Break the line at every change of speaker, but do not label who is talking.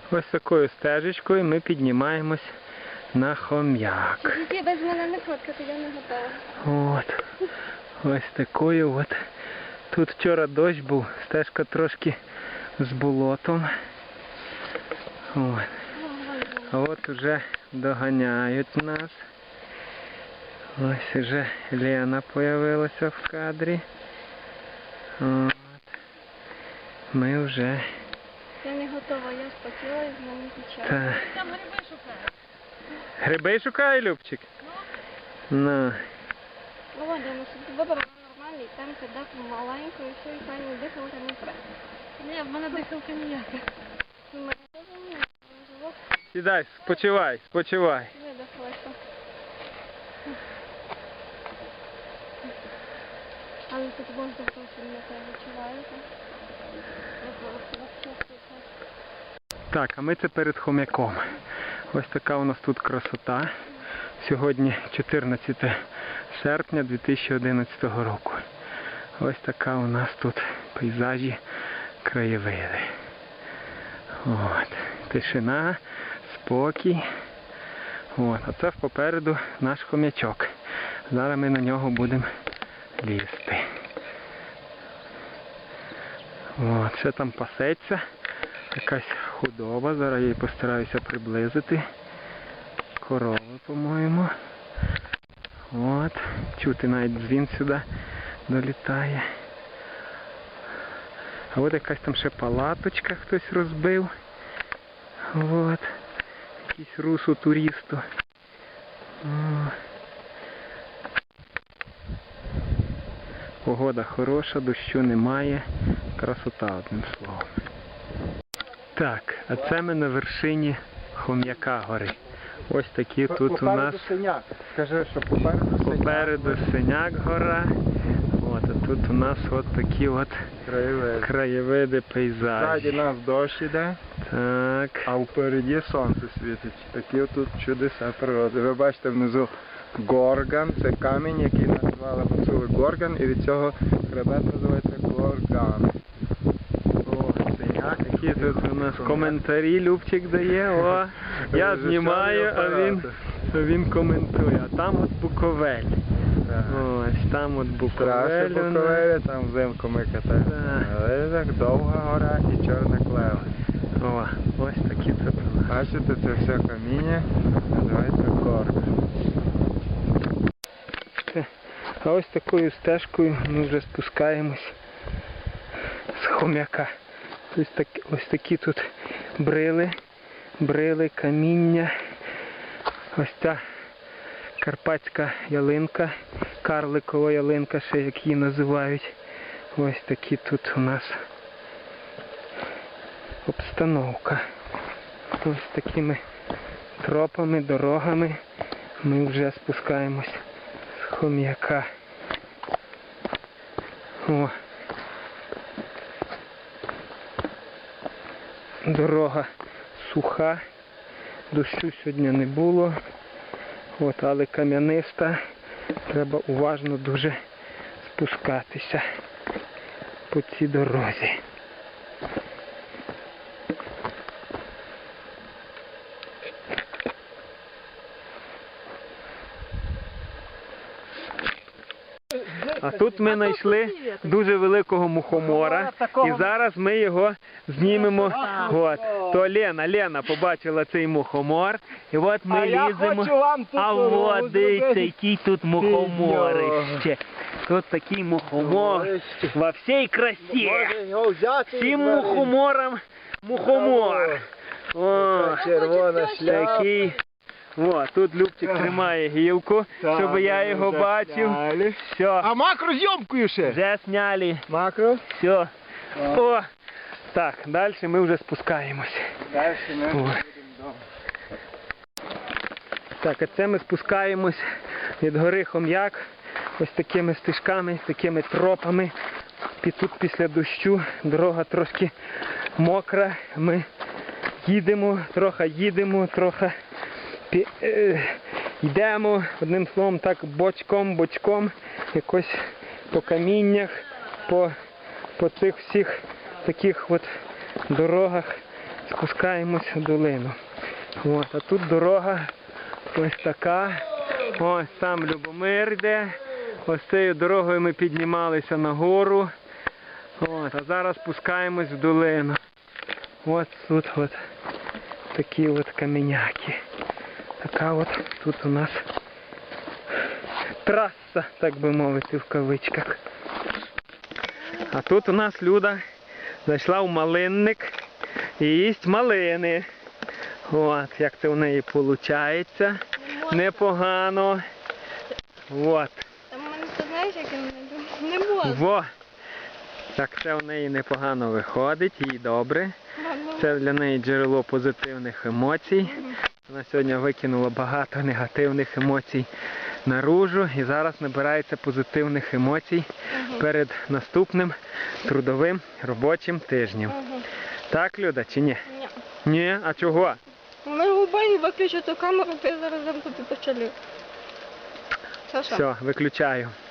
Ось такою стежечкою ми піднімаємось на Хом'як.
Тільки без мене не фоткати, я не готова.
От. Ось такою от. Тут вчора дощ був, стежка трошки з болотом. От. А от уже доганяють нас. Ось уже Лена появилася в кадрі. От. Ми вже...
Я не готова, я спотіла і в мене печаль.
Там гриби шукає. Гриби шукає, Любчик? Ну.
Ну, Вадим, щоб вибор нормальний, там кидав маленько і все, і пані дихалка не треба. Ні, в мене дихалка ніяка. В мене теж ніяка, живот.
Сідай, спочивай, спочивай.
Видихалася. Але тут воздух зовсім не те відчуваєте.
Так, а ми це перед Хом'яком. Ось така у нас тут красота. Сьогодні 14 серпня 2011 року. Ось така у нас тут пейзажі, краєвиди. От. Тишина, спокій. От. А це попереду наш хом'ячок. Зараз ми на нього будемо лізти. От. Ще там пасеться. Якась худоба. Зараз я її постараюся приблизити. Корови, по-моєму. От. Чути навіть дзвін сюди долітає. А от якась там ще палаточка хтось розбив. От. Якийсь русу туристу. Погода хороша, дощу немає. Красота, одним словом. Так, а це ми на вершині Хом'яка гори. Ось такі тут у нас
Скажи, що попереду
Синяк гора. От, а тут у нас от такі от краєвиди, пейзажі.
Ззаді нас дощ іде,
Так.
а впереді сонце світить. Такі тут чудеса природи. Ви бачите внизу горган, це камінь, який називали гуцули горган, і від цього хребет називається горган.
О, Синяк. Які тут у нас коментарі Любчик дає. О, я знімаю, а він коментує. А там от Буковель. Ось там от Буковель.
Буковель, там взимку ми катаємося. Але так довга гора і чорна клева.
О, ось такі тут у нас.
Бачите, це все каміння, називається горган.
А ось такою стежкою ми вже спускаємось з Хом'яка. Ось такі тут брили, каміння. Ось ця карпатська ялинка, карликова ялинка, ще як її називають. Ось такі тут у нас обстановка. Ось такими тропами, дорогами ми вже спускаємось з Хом'яка. О. Дорога суха, дощу сьогодні не було, от, але кам'яниста, треба уважно дуже спускатися по цій дорозі. А тут ми знайшли дуже великого мухомора, і зараз ми його знімемо. От. То Лена побачила цей мухомор, і от ми ліземо. А от дивіться, який тут мухоморище. Тут такий мухомор во всій красі. Всім мухоморам мухомор. О, такий. О, тут Любчик тримає гілку, щоб я його бачив. Все.
А макро зйомкою ще?
Вже зняли.
Макро?
Все. О, так, далі ми вже спускаємось.
Далі ми будемо вдома.
Так, а це ми спускаємось від гори Хом'як. Ось такими стежками, такими тропами. Тут після дощу дорога трошки мокра. Ми їдемо, трохи йдемо, одним словом, так бочком, якось по каміннях, по цих всіх таких от дорогах спускаємось в долину. От, а тут дорога ось така. Ось там Любомир йде. Ось цією дорогою ми піднімалися нагору. От, а зараз спускаємось в долину. Ось тут от такі от каменяки. Така от тут у нас траса, так би мовити, в кавичках. А тут у нас Люда зайшла в малинник і їсть малини. От, як це в неї виходить. Непогано. От.
Там у мене, ти знаєш, як не можна.
Во. Так це в неї непогано виходить, їй добре. Це для неї джерело позитивних емоцій. Вона сьогодні викинула багато негативних емоцій наружу і зараз набирається позитивних емоцій перед наступним трудовим робочим тижнем. Так, Люда, чи ні?
Ні.
Ні? А чого?
Ми губані виключу ту камеру, ти зараз дам тобі почали.
Все, виключаю.